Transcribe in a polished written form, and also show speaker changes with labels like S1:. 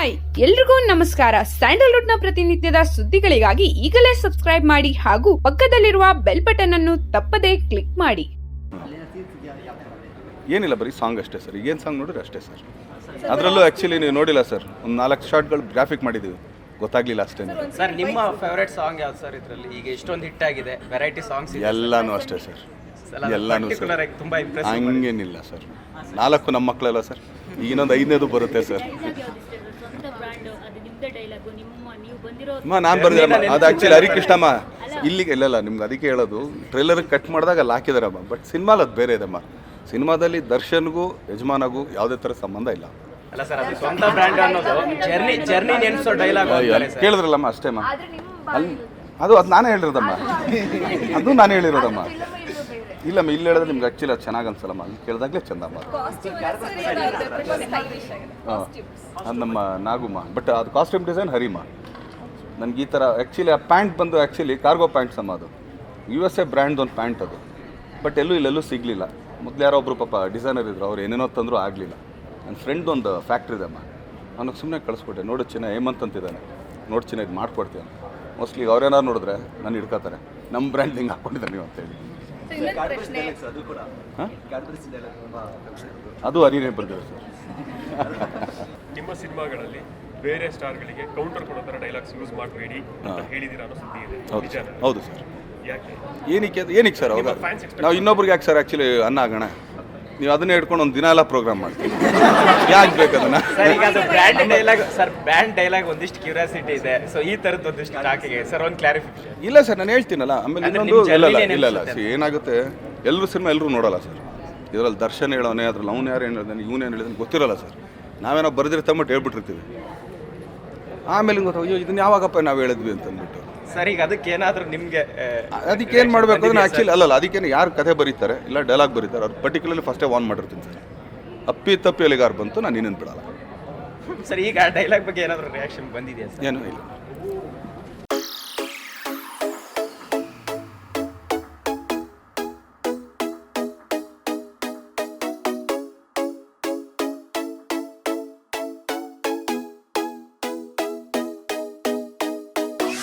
S1: Hi ಎಲ್ರಿಗೂ ನಮಸ್ಕಾರ. Sandalwood ನ ಪ್ರತಿನಿತ್ಯದ ಸುದ್ದಿಗಳಿಗಾಗಿ ಈಗಲೇ ಸಬ್ಸ್ಕ್ರೈಬ್ ಮಾಡಿ ಹಾಗೂ ಪಕ್ಕದಲ್ಲಿರುವ ಬೆಲ್ ಬಟನ್ ಅನ್ನು ತಪ್ಪದೇ ಕ್ಲಿಕ್ ಮಾಡಿ.
S2: ಏನಿಲ್ಲ, ಬರೀ ಸಾಂಗ್ ಅಷ್ಟೇ ಸರ್. ಈಗೇನು ಸಾಂಗ್ ನೋಡಿದ್ರೆ ಅಷ್ಟೇ ಸರ್. ಅದರಲ್ಲೂ ಆ್ಯಕ್ಚುಲಿ ನೀವು ನೋಡಿಲ್ಲ ಸರ್, ಒಂದು 4 ಶಾರ್ಟ್ಗಳು ಗ್ರಾಫಿಕ್ ಮಾಡಿದ್ದೀವಿ, ಗೊತ್ತಾಗ್ಲಿಲ್ಲ ಅಷ್ಟೇ
S3: ಸರ್. ನಿಮ್ಮ ಫೇವರೇಟ್ ಸಾಂಗ್ ಯಾವ್ದು ಸರ್ ಇದರಲ್ಲಿ? ಈಗ ಎಷ್ಟೊಂದು ಹಿಟ್ ಆಗಿದೆ, ವೆರೈಟಿ ಸಾಂಗ್ಸ್
S2: ಎಲ್ಲಾನು ಅಷ್ಟೇ ಸರ್, ಎಲ್ಲಾನು ಸರ್.
S3: ತುಂಬಾ ಇಂಪ್ರೆಸಿವ್.
S2: ಹಂಗೇನಿಲ್ಲ ಸರ್, 4 ನಮ್ಮ ಮಕ್ಕಳೆಲ್ಲ ಸರ್. ಈಗ ಇನ್ನೊಂದು 5ನೇದು ಬರುತ್ತೆ ಸರ್. ನಾನು ಬರ್ದಿರಮ್ಮ, ಅದು ಆ್ಯಕ್ಚುಲಿ ಹರಿಕೃಷ್ಣಮ್ಮ ಇಲ್ಲಿಗೆ ಇಲ್ಲ ನಿಮ್ಗೆ ಅದಕ್ಕೆ ಹೇಳೋದು. ಟ್ರೈಲರ್ ಕಟ್ ಮಾಡಿದಾಗ ಅಲ್ಲಿ ಹಾಕಿದಾರಮ್ಮ, ಬಟ್ ಸಿನಿಮಾಲಿ ಅದು ಬೇರೆ ಇದಮ್ಮ. ಸಿನಿಮಾದಲ್ಲಿ ದರ್ಶನ್ಗೂ ಯಜಮಾನಗೂ ಯಾವುದೇ ಥರ ಸಂಬಂಧ ಇಲ್ಲ.
S3: ಅಲ್ಲ ಸರ್, ಅದು ಸ್ವಂತ ಬ್ರ್ಯಾಂಡ್ ಅನ್ನೋದು ಜರ್ನಿ ನೆನ್ಸೋ ಡೈಲಾಗ್
S2: ಕೇಳಿದ್ರಲ್ಲಮ್ಮ ಅಷ್ಟೇಮ್ಮ. ಅಲ್ಲಿ ಅದು ನಾನೇ ಹೇಳಿರೋದಮ್ಮ, ಅದು ನಾನೇ ಹೇಳಿರೋದಮ್ಮ. ಇಲ್ಲಮ್ಮ, ಇಲ್ಲಿ ಹೇಳಿದ್ರೆ ನಿಮ್ಗೆ ಆ್ಯಕ್ಚುಲಿ ಅದು ಚೆನ್ನಾಗಿ ಅನ್ಸಲ್ಲಮ್ಮ, ಅಲ್ಲಿ ಕೇಳಿದಾಗಲೇ ಚಂದಮ್ಮ. ಹಾಂ, ಅದು ನಮ್ಮ ನಾಗುಮ್ಮ. ಬಟ್ ಅದು ಕಾಸ್ಟ್ಯೂಮ್ ಡಿಸೈನ್ ಹರಿಮ್ಮ. ನನಗೆ ಈ ಥರ ಆ್ಯಕ್ಚುಲಿ ಆ ಪ್ಯಾಂಟ್ ಬಂದು ಆ್ಯಕ್ಚುಲಿ ಕಾರ್ಗೋ ಪ್ಯಾಂಟ್ಸ್ ಅಮ್ಮ. ಅದು USA ಬ್ರ್ಯಾಂಡ್ ಒಂದು ಪ್ಯಾಂಟ್ ಅದು. ಬಟ್ ಇಲ್ಲೆಲ್ಲೂ ಸಿಗಲಿಲ್ಲ. ಮೊದಲು ಯಾರೋ ಒಬ್ಬರು ಪಾಪ ಡಿಸೈನರ್ ಇದ್ರು, ಅವ್ರು ಏನೇನೋ ತಂದರೂ ಆಗಲಿಲ್ಲ. ನನ್ನ ಫ್ರೆಂಡ್ ಒಂದು ಫ್ಯಾಕ್ಟ್ರಿ ಇದಮ್ಮ, ಅವನಿಗೆ ಸುಮ್ಮನೆ ಕಳಿಸ್ಕೊಟ್ಟೆ. ನೋಡು ಚಿನ್ನ, ಹೇಮಂತ್ ಅಂತಿದ್ದಾನೆ, ನೋಡಿ ಚಿನ್ನ ಇದು ಮಾಡ್ಕೊಡ್ತೀವಿ ಅಂತ. ಮೋಸ್ಟ್ಲಿ ಅವ್ರೇನಾರು ನೋಡಿದ್ರೆ ನಾನು ಹಿಡ್ಕೋತಾರೆ, ನಮ್ಮ ಬ್ರ್ಯಾಂಡ್ ಹಿಂಗೆ ಹಾಕ್ಕೊಂಡಿದ್ದಾನೆ ನೀವು ಅಂತೇಳಿ. ಅದು ಹರಿನೇ ಬಂದಿದೆ ಸರ್.
S4: ನಿಮ್ಮ ಸಿನಿಮಾಗಳಲ್ಲಿ ಬೇರೆ ಸ್ಟಾರ್ಗಳಿಗೆ ಕೌಂಟರ್ ಕೊಡೋ ಥರ ಡೈಲಾಗ್ಸ್ ಯೂಸ್ ಮಾಡಬೇಡಿ ಅಂತ ಹೇಳಿದಿರ ಅನ್ನೋ ಸುದ್ದಿ ಇದೆ.
S2: ಹೌದು ಸರ್.
S4: ಯಾಕೆ?
S2: ಏನಕ್ಕೆ ಸರ್? ಹೌದಾ, ನಾವು ಇನ್ನೊಬ್ರಿಗೆ ಯಾಕೆ ಸರ್ ಆ್ಯಕ್ಚುಲಿ ಅನ್ನ ಆಗೋಣ? ನೀವು ಅದನ್ನೇ ಹಿಡ್ಕೊಂಡು ಒಂದು ದಿನ ಎಲ್ಲ ಪ್ರೋಗ್ರಾಮ್ ಮಾಡ್ತೀವಿ, ಯಾಕೆ ಬೇಕು ಅದನ್ನ?
S3: ಈಗ ಅದು brand dialogue sir, brand dialogue ಒಂದಿಷ್ಟು ಕ್ಯೂರಿಯಾಸಿಟಿ ಇದೆ. ಸೊ ಈ ಥರದ್ದು ಒಂದಿಷ್ಟು ಟಾಕಿಗೆ ಸರ್ ಒಂದು ಕ್ಲಾರಿಫಿಕೇಶನ್.
S2: ಇಲ್ಲ ಸರ್, ನಾನು ಹೇಳ್ತೀನಲ್ಲ. ಆಮೇಲೆ ಇನ್ನೊಂದು ಇಲ್ಲ ಏನಾಗುತ್ತೆ, ಎಲ್ಲರೂ ಸಿನಿಮಾ ಎಲ್ಲರೂ ನೋಡೋಲ್ಲ ಸರ್. ಇದರಲ್ಲಿ ದರ್ಶನ್ ಹೇಳೋನೆ, ಅದ್ರಲ್ಲಿ ಅವ್ನು ಯಾರು ಹೇಳಿದಾನೆ, ಇವನು ಏನು ಹೇಳಿದಾನೆ ಗೊತ್ತಿರೋಲ್ಲ ಸರ್. ನಾವೇನೋ ಬರೆದಿರ್ತಂಬಿಟ್ಟು ಹೇಳ್ಬಿಟ್ಟಿರ್ತೀವಿ. ಆಮೇಲೆ ಗೊತ್ತಾಗ, ಅಯ್ಯೋ ಇದನ್ನ ಯಾವಾಗಪ್ಪ ನಾವು ಹೇಳಿದ್ವಿ ಅಂತ ಅಂದ್ಬಿಟ್ಟು.
S3: ಸರ್ ಈಗ ಅದಕ್ಕೆ ಏನಾದರೂ ನಿಮಗೆ
S2: ಅದಕ್ಕೆ ಏನು ಮಾಡಬೇಕು ಅಂದ್ರೆ ಆ್ಯಕ್ಚುಲಿ ಅಲ್ಲಲ್ಲ, ಅದಕ್ಕೇನು ಯಾರು ಕಥೆ ಬರೀತಾರೆ ಇಲ್ಲ ಡೈಲಾಗ್ ಬರೀತಾರೆ, ಅವ್ರು ಪರ್ಟಿಕ್ಯುಲರ್ಲಿ ಫಸ್ಟೇ ಆನ್ ಮಾಡಿರ್ತೀನಿ ಸರ್. ಅಪ್ಪಿ ತಪ್ಪಿ ಎಲ್ಲಿಗಾರು ಬಂತು ನಾನು ಇನ್ನೇನು ಬಿಡಲ್ಲ
S3: ಸರ್. ಈಗ ಡೈಲಾಗ್ ಬಗ್ಗೆ ಏನಾದರೂ ರಿಯಾಕ್ಷನ್ ಬಂದಿದೆಯಾ ಸರ್?
S2: ಏನೂ ಇಲ್ಲ.